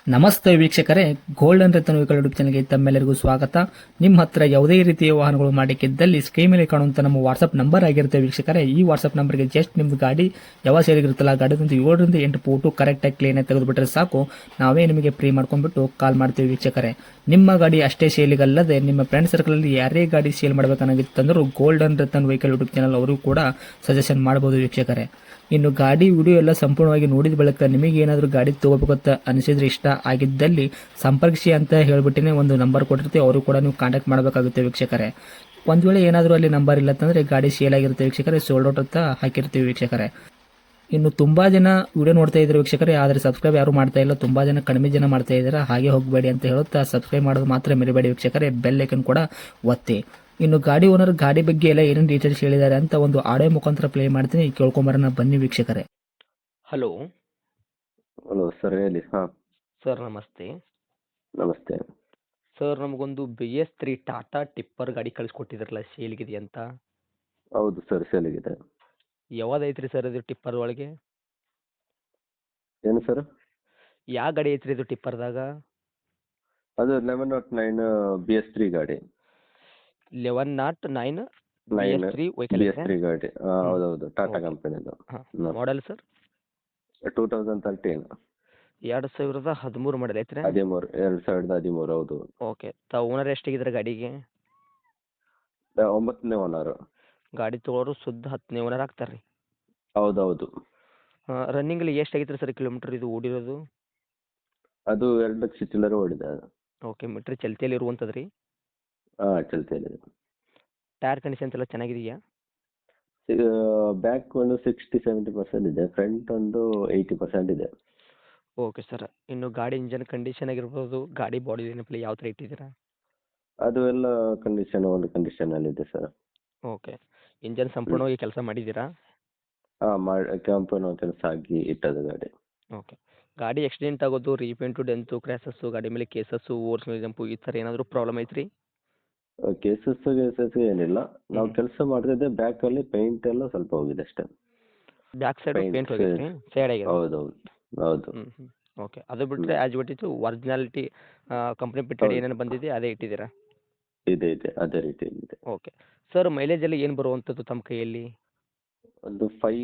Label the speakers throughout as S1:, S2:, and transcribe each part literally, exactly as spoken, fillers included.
S1: ನಮಸ್ತೆ ವೀಕ್ಷಕರೇ, golden Ratan vehicle YouTube ಚಾನಲ್ಗೆ ತಮ್ಮೆಲ್ಲರಿಗೂ ಸ್ವಾಗತ. ನಿಮ್ಮ ಹತ್ರ ಯಾವುದೇ ರೀತಿಯ ವಾಹನಗಳು ಮಾಡಿಕ್ಕಿದ್ದಲ್ಲಿ ಸ್ಕ್ರೀನ್ ಮೇಲೆ ಕಾಣುವಂತ ನಮ್ಮ ವಾಟ್ಸ್ಆಪ್ ನಂಬರ್ ಆಗಿರುತ್ತೆ ವೀಕ್ಷಕರೇ. ಈ ವಾಟ್ಸ್ಆಪ್ ನಂಬರ್ಗೆ ಜಸ್ಟ್ ನಿಮ್ದು ಗಾಡಿ ಯಾವ ಸೇರಿಗಿರುತ್ತಲ್ಲ ಗಾಡಿದಂತ ಏಳರಿಂದ ಎಂಟು ಫೋಟೋ ಕರೆಕ್ಟಾಗಿ ಕ್ಲೀನ್ ಆಗಿ ತೆಗೆದುಬಿಟ್ರೆ ಸಾಕು, ನಾವೇ ನಿಮಗೆ ಫ್ರೀ ಮಾಡ್ಕೊಂಡ್ಬಿಟ್ಟು ಕಾಲ್ ಮಾಡ್ತೀವಿ ವೀಕ್ಷಕರೇ. ನಿಮ್ಮ ಗಾಡಿ ಅಷ್ಟೇ ಸೇಲಿಗಲ್ಲದೆ ನಿಮ್ಮ ಫ್ರೆಂಡ್ ಸರ್ಕಲ್ ಅಲ್ಲಿ ಯಾರೇ ಗಾಡಿ ಸೇಲ್ ಮಾಡಬೇಕನ್ನಾಗಿತ್ತಂದ್ರೂ golden Ratan vehicle YouTube channel ಅವರು ಕೂಡ ಸಜೆಷನ್ ಮಾಡಬಹುದು ವೀಕ್ಷಕರೇ. ಇನ್ನು ಗಾಡಿ ವಿಡಿಯೋ ಎಲ್ಲ ಸಂಪೂರ್ಣವಾಗಿ ನೋಡಿದ ಬಳಿಕ ನಿಮಗೆ ಏನಾದರೂ ಗಾಡಿ ತಗೋಬೇಕಂತ ಅನಿಸಿದ್ರೆ, ಇಷ್ಟ ಆಗಿದ್ದಲ್ಲಿ ಸಂಪರ್ಕಿಸಿ ಅಂತ ಹೇಳ್ಬಿಟ್ಟಿನೇ ಒಂದು ನಂಬರ್ ಕೊಟ್ಟಿರ್ತೀವಿ, ಅವರು ಕೂಡ ನೀವು ಕಾಂಟ್ಯಾಕ್ಟ್ ಮಾಡಬೇಕಾಗುತ್ತೆ ವೀಕ್ಷಕರೇ. ಒಂದು ವೇಳೆ ಏನಾದರೂ ಅಲ್ಲಿ ನಂಬರ್ ಇಲ್ಲ ಅಂತಂದರೆ ಗಾಡಿ ಸೇಲ್ ಆಗಿರುತ್ತೆ ವೀಕ್ಷಕರೇ, ಸೋಲ್ಡ್ ಔಟ್ ಅಂತ ಹಾಕಿರ್ತೀವಿ ವೀಕ್ಷಕರೇ. ಇನ್ನು ತುಂಬ ಜನ ವಿಡಿಯೋ ನೋಡ್ತಾ ಇದ್ದಾರೆ ವೀಕ್ಷಕರೇ, ಆದರೆ ಸಬ್ಸ್ಕ್ರೈಬ್ ಯಾರು ಮಾಡ್ತಾ ಇಲ್ಲ, ತುಂಬ ಜನ ಕಡಿಮೆ ಜನ ಮಾಡ್ತಾ ಇದ್ದಾರೆ. ಹಾಗೆ ಹೋಗಬೇಡಿ ಅಂತ ಹೇಳುತ್ತಾ ಸಬ್ಸ್ಕ್ರೈಬ್ ಮಾಡೋದು ಮಾತ್ರ ಮರಿಬೇಡಿ ವೀಕ್ಷಕರೇ, ಬೆಲ್ ಐಕನ್ ಕೂಡ ಒತ್ತಿ. ಇನ್ನು ಗಾಡಿ ಓನರ್ ಗಾಡಿ ಬಗ್ಗೆ ಎಲ್ಲ ಏನೇನು ಡೀಟೇಲ್ಸ್ ಹೇಳಿದ್ದಾರೆ ಅಂತ ಒಂದು ಆಡಿಯೋ ಮುಖಾಂತರ ಪ್ಲೇ ಮಾಡ್ತೀನಿ, ಕೇಳ್ಕೊಂಬರೋಣ ಬನ್ನಿ ವೀಕ್ಷಕರೇ. ಹಲೋ
S2: ಹಲೋ ಸರ್, ಹೇಳಿ. ಹಾಂ
S1: ಸರ್, ನಮಸ್ತೆ.
S2: ನಮಸ್ತೆ.
S1: ಸರ್, ನಮಗೊಂದು B S three Tata tipper ಗಾಡಿ ಕಳಿಸ್ಕೊಟ್ಟಿದ್ರಲ್ಲ, ಸೇಲ್ಗಿದೆ ಅಂತ.
S2: ಹೌದು ಸರ್, ಸೇಲಿಗಿದೆ.
S1: ಯಾವ್ದೈತ್ರಿ ಸರ್ ಇದು ಟಿಪ್ಪರ್ ಒಳಗೆ?
S2: ಏನು ಸರ್?
S1: ಯಾವ ಗಾಡಿ ಐತ್ರಿ ಇದು ಟಿಪ್ಪರ್ದಾಗ?
S2: ಅದು eleven naught nine B S three ಗಾಡಿ.
S1: Eleven naught nine B
S2: nine
S1: S three vehicle
S2: B S three ಗಾಡಿ. ಹಾಂ, ಹೌದೌದು, ಟಾಟಾ
S1: ಓಕೆ.
S2: ಕಂಪನಿದು.
S1: ಹಾಂ, model sir?
S2: Two thousand thirteen
S1: ಎರಡು ಸಾವಿರದ ಹದಿಮೂರು ಮಾಡೆಲ್ ಐತ್ರಿ?
S2: ಹದಿಮೂರು ಎರಡು ಸಾವಿರದ ಹದಿಮೂರು ಹೌದು.
S1: ಓಕೆ. ತಾವು ಓನರ್ ಎಷ್ಟಾಗಿದ್ದಾರೆ ಗಾಡಿಗೆ?
S2: ಆ, ಒಂಬತ್ತನೇ ಓನರು.
S1: ಗಾಡಿ ತೊಗೊಳೋರು ಶುದ್ಧ ಹತ್ತನೇ ಓನರ್ ಆಗ್ತಾರೆ ರೀ.
S2: ಹೌದೌದು.
S1: ರನ್ನಿಂಗಲ್ಲಿ ಎಷ್ಟಾಗೈತ್ರಿ ಸರ್ ಕಿಲೋಮೀಟ್ರ್ ಇದು ಓಡಿರೋದು?
S2: ಅದು ಎರಡು ಲಕ್ಷ ಚಿಲ್ಲರೆ ಓಡಿದೆ ಅದು.
S1: ಓಕೆ. ಮೀಟ್ರ್ ಚಲ್ತಿಯಲ್ಲಿ ಇರುವಂಥದ್ದು ರೀ?
S2: ಹಾಂ, ಚಲ್ತಿಯಲ್ಲಿ.
S1: ಟೈರ್ ಕಂಡೀಷನ್ಸ್ ಎಲ್ಲ ಚೆನ್ನಾಗಿದೆಯಾ?
S2: ಬ್ಯಾಕ್ ಒಂದು ಸಿಕ್ಸ್ಟಿ ಸೆವೆಂಟಿ ಪರ್ಸೆಂಟ್ ಇದೆ, ಫ್ರಂಟ್ ಒಂದು ಏಯ್ಟಿ ಪರ್ಸೆಂಟ್ ಇದೆ.
S1: Okay sir. ಇನ್ನು ಗಾಡಿ ಇಂಜನ್ ಕಂಡೀಷನ್ ಆಗಿರ್ಬೋದು, ಗಾಡಿ ಬಾಡಿ ಏನಪ್ಪಲ್ಲ ಯಾವ ಥರ ಇಟ್ಟಿದ್ದೀರಾ?
S2: ಅದು ಎಲ್ಲ ಕಂಡೀಷನ್ ಒಂದು ಕಂಡೀಷನಲ್ಲಿದೆ ಸರ್.
S1: ಓಕೆ. ಇಂಜನ್ ಸಂಪೂರ್ಣವಾಗಿ ಕೆಲಸ ಮಾಡಿದ್ದೀರಾ?
S2: ಹಾಂ, ಮಾಡಿ ಕೆಂಪು ಕೆಲಸ ಆಗಿ ಇಟ್ಟದ್ದು ಗಾಡಿ.
S1: ಓಕೆ. ಗಾಡಿ ಆಕ್ಸಿಡೆಂಟ್ ಆಗೋದು, ರೀಪೇಂಟು, ಡೆಂತು, ಕ್ರ್ಯಾಸಸ್ಸು, ಗಾಡಿ ಮೇಲೆ ಕೇಸಸ್ಸು, ಓವರ್ಸ್ ಮೇಲೆ ಜಂಪು ಈ ಥರ ಏನಾದರೂ ಪ್ರಾಬ್ಲಮ್ ಐತ್ರಿ?
S2: ಕೇಸಸ್ ಕೇಸಸ್ ಏನಿಲ್ಲ, ನಾವು
S1: ಹ್ಮ್.
S2: ಕೆಲಸ ಮಾಡ್ತಿದ್ದೆ ಬ್ಯಾಕಲ್ಲಿ ಪೇಂಟ್ ಎಲ್ಲ ಸ್ವಲ್ಪ ಹೋಗಿದೆ ಅಷ್ಟೇ.
S1: ಬ್ಯಾಕ್ ಸೈಡ್
S2: Paint
S1: ಪೇಂಟ್ ಹೋಗೈತ್ರಿ? ಸೈಡ್ ಆಗಿದೆ?
S2: ಹೌದೌದು ಹೌದು.
S1: ಹ್ಞೂ ಹ್ಞೂ ಓಕೆ. ಅದು ಬಿಟ್ಟರೆ as it is originality company fitted
S2: ಹೌದು.
S1: ಏನೇನು ಬಂದಿದೆ ಅದೇ ಇಟ್ಟಿದ್ದೀರಾ?
S2: ಇದೆ ಇದೆ ಅದೇ ರೀತಿ ಇದೆ.
S1: ಓಕೆ. ಸರ್, ಮೈಲೇಜ್ ಎಲ್ಲ ಏನು ಬರುವಂಥದ್ದು ತಮ್ಮ ಕೈಯಲ್ಲಿ?
S2: ಒಂದು ಫೈ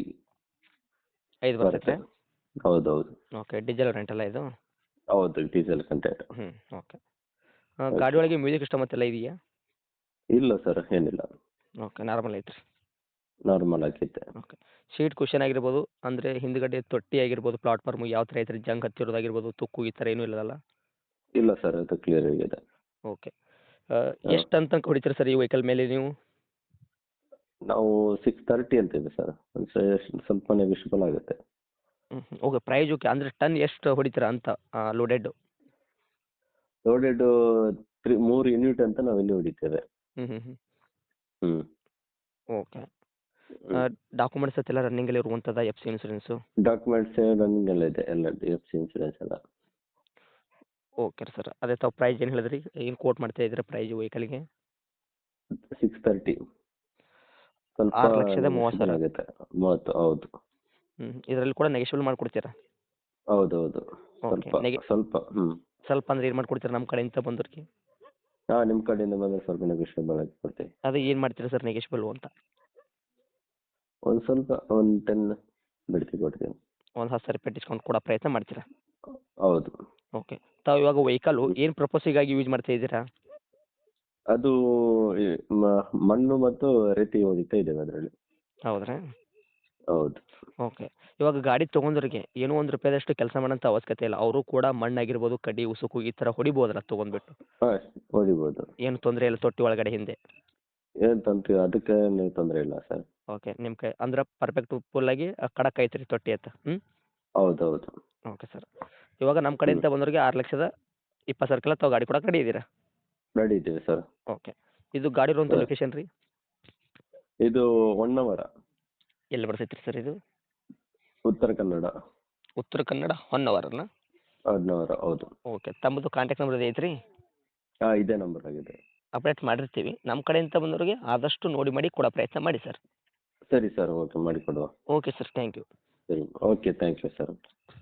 S1: ಐದು
S2: ಬರುತ್ತೆ.
S1: ಬರ್ತೈತೆ?
S2: ಹೌದೌದು
S1: ಓಕೆ. ಡೀಸೆಲ್ ರೆಂಟಲ್ಲ ಇದು?
S2: ಹೌದು, ಡೀಸೆಲ್ ಕಂಟೆಂಟ್.
S1: ಹ್ಞೂ ಓಕೆ. ಗಾಡಿ ಒಳಗೆ ಮ್ಯೂಸಿಕ್ ಸಿಸ್ಟಮ್ ಮತ್ತೆಲ್ಲ ಇದೆಯಾ?
S2: ಇಲ್ಲ ಸರ್, ಏನಿಲ್ಲ,
S1: ಓಕೆ. ನಾರ್ಮಲ್ ಐತ್ರಿ?
S2: ನಾರ್ಮಲ್ ಆಗಿತ್ತೆ.
S1: ಓಕೆ. ಸೀಟ್ ಕುಷನ್ ಆಗಿರ್ಬೋದು, ಅಂದರೆ ಹಿಂದ್ಗಡೆ ತೊಟ್ಟಿ ಆಗಿರ್ಬೋದು, ಪ್ಲಾಟ್ಫಾರ್ಮು ಯಾವ ಥರ ಐತ್ರಿ? ಜಂಗ್ ಹತ್ತಿರೋದಾಗಿರ್ಬೋದು, ತುಕ್ಕು ಈ ಥರ ಏನೂ ಇಲ್ಲದಲ್ಲ?
S2: ಇಲ್ಲ ಸರ್, ಅದು ಕ್ಲಿಯರ್ ಆಗಿದೆ.
S1: ಓಕೆ. ಎಷ್ಟು ಅಂತ ಹೊಡಿತೀರಿ ಸರ್ ಈ ವೆಹಿಕಲ್ ಮೇಲೆ ನೀವು?
S2: ನಾವು ಸಿಕ್ಸ್ ತರ್ಟಿ ಅಂತಿದೆ ಸರ್, ಒಂದು ಸ್ವಲ್ಪ ನೆಗೋಷಿಯಬಲ್ ಆಗುತ್ತೆ.
S1: ಹ್ಞೂ ಹ್ಞೂ ಓಕೆ. Price okay. ಅಂದರೆ ಟನ್ ಎಷ್ಟು ಹೊಡಿತೀರಾ ಅಂತ ಲೋಡೆಡ್?
S2: ಲೋಡೆಡ್ ತ್ರೀ ಮೂರು ಯೂನಿಟ್ ಅಂತ ನಾವು ಇಲ್ಲಿ ಹೊಡಿತೇವೆ.
S1: ಹ್ಞೂ ಹ್ಞೂ ಹ್ಞೂ
S2: ಹ್ಞೂ
S1: ಓಕೆ. ಡಾಕ್ಯುಮೆಂಟ್ಸ್ ಎಲ್ಲ ರನ್ನಿಂಗಲ್ಲಿ ಇರುವಂಥದ್ದು, F C insurance?
S2: Documents running ಎಲ್ಲ ಇದೆ, ಎಲ್ಲ ಎಫ್ ಸಿ ಇನ್ಸೂರೆನ್ಸ್ ಎಲ್ಲ.
S1: Okay sir. ಅದೇ ತಾವು ಪ್ರೈಸ್ ಏನು ಹೇಳಿದ್ರಿ? ಏನು ಕೋಟ್ ಮಾಡ್ತಾ ಇದ್ದೀರಾ ಪ್ರೈಸ್ ವೆಹಿಕಲ್ಗೆ?
S2: ಸಿಕ್ಸ್ ತರ್ಟಿ ಸ್ವಲ್ಪ
S1: ಆರು ಲಕ್ಷದ ಮೂವತ್ತು ಸಾವಿರ
S2: ಆಗುತ್ತೆ. ಮೂವತ್ತು ಹೌದು.
S1: ಹ್ಞೂ ಇದರಲ್ಲಿ ಕೂಡ ನೆಗೆಷಿಬಲ್ ಮಾಡಿಕೊಡ್ತೀರಾ?
S2: ಹೌದೌದು,
S1: ಓಕೆ.
S2: ಸ್ವಲ್ಪ
S1: ನೆಗೆ
S2: ಸ್ವಲ್ಪ ಹ್ಞೂ
S1: ಸ್ವಲ್ಪ ಅಂದ್ರೆ ಏನು ಮಾಡಿಕೊಡ್ತೀರಾ ನಮ್ಮ ಕಡೆಯಿಂದ ಬಂದವ್ರಿಗೆ?
S2: ಹಾಂ, ನಿಮ್ಮ ಕಡೆಯಿಂದ ಬಂದರೆ ಸ್ವಲ್ಪ ನೆಗೋಷಿಯಬಲ್ ಆಗಿ ಕೊಡ್ತೀವಿ.
S1: ಅದೇ ಏನು ಮಾಡ್ತೀರಾ ಸರ್ ನೆಗೆಷಿಬಲ್ ಅಂತ?
S2: ಒಂದು ಸ್ವಲ್ಪ ಒಂದು ಟೆನ್ ಬಿಡ್ತಿ ಕೊಡ್ತೀವಿ.
S1: ಒಂದು ಹತ್ತು ಸಾವಿರ ರೂಪಾಯಿ ಡಿಸ್ಕೌಂಟ್ ಕೊಡೋ ಪ್ರಯತ್ನ ಮಾಡ್ತೀರಾ?
S2: ಹೌದು.
S1: ಓಕೆ. ತಾವು ಇವಾಗ ವೆಹಿಕಲ್ಲು ಏನು ಪರ್ಪಸ್ಸಿಗಾಗಿ ಯೂಸ್ ಮಾಡ್ತಾ ಇದ್ದೀರಾ?
S2: ಅದು ಈ ಮ- ಮಣ್ಣು ಮತ್ತು ರೇತಿ ಹೊಡಿತಾ ಇದ್ದೇವೆ ಅದರಲ್ಲಿ.
S1: ಹೌದ್ರಾ?
S2: ಹೌದು.
S1: ಓಕೆ. ಇವಾಗ ಗಾಡಿ ತೊಗೊಂಡ್ರಿಗೆ ಏನೋ ಒಂದು ರೂಪಾಯಿದಷ್ಟು ಕೆಲಸ ಮಾಡೋಂಥ ಅವಶ್ಯಕತೆ ಇಲ್ಲ, ಅವರು ಕೂಡ ಮಣ್ಣಾಗಿರ್ಬೋದು, ಕಡ್ಡಿ ಉಸುಕು ಈ ಥರ ಹೊಡಿಬೋದಲ್ಲ ತೊಗೊಂಡ್ಬಿಟ್ಟು?
S2: ಹಾಂ, ಹೊಡಿಬೋದು.
S1: ಏನು ತೊಂದರೆ ಇಲ್ಲ ತೊಟ್ಟಿ ಒಳಗಡೆ ಹಿಂದೆ?
S2: ಏನು ತಂತು ಅದಕ್ಕೆ ನೀವು ತೊಂದರೆ ಇಲ್ಲ ಸರ್.
S1: ಓಕೆ. ನಿಮ್ಮ ಕೈ ಅಂದ್ರೆ ಪರ್ಫೆಕ್ಟ್ ಫುಲ್ಲಾಗಿ ಖಡಕ್ ಐತ್ರಿ ತೊಟ್ಟಿ ಅಂತ? ಹ್ಞೂ
S2: ಹೌದೌದು.
S1: Okay sir. ಇವಾಗ ನಮ್ಮ ಕಡೆಯಿಂದ ಬಂದವ್ರಿಗೆ ಆರು ಲಕ್ಷದ ಇಪ್ಪತ್ತು ಸಾವಿರಕ್ಕೆಲ್ಲ ತಾವು ಗಾಡಿ ಕೊಡಕ್ಕೆ ರೆಡಿ ಇದ್ದೀರಾ?
S2: ರೆಡಿ ಇದ್ದೀವಿ ಸರ್.
S1: ಓಕೆ. ಇದು ಗಾಡಿ ಇರುವಂಥ
S2: ಸರ್.
S1: ಲೊಕೇಶನ್ ರೀ?
S2: ಇದು ಹೊನ್ನವರ,
S1: ಎಲ್ಲಿ ಬರ್ತೈತೆ ರೀ ಸರ್ ಇದು?
S2: ಉತ್ತರ ಕನ್ನಡ.
S1: ಉತ್ತರ ಕನ್ನಡ ಹೊನ್ನವರನ?
S2: ಹೊನ್ನವರ ಹೌದು.
S1: ಓಕೆ. ತಮ್ಮದು ಕಾಂಟ್ಯಾಕ್ಟ್ ನಂಬರ್ ಐತ್ರಿ?
S2: ಹಾಂ, ಇದೇ ನಂಬರ್ ಆಗಿದೆ.
S1: ಅಪ್ಡೇಟ್ ಮಾಡಿರ್ತೀವಿ. ನಮ್ಮ ಕಡೆಯಿಂದ ಬಂದವ್ರಿಗೆ ಆದಷ್ಟು ನೋಡಿ ಮಾಡಿ ಕೊಡೋ ಪ್ರಯತ್ನ ಮಾಡಿ ಸರ್.
S2: ಸರಿ ಸರ್, ಓಕೆ ಮಾಡಿಕೊಡುವ.
S1: Okay sir, thank you.
S2: ಸರಿ, ಓಕೆ, ಥ್ಯಾಂಕ್ ಯು ಸರ್.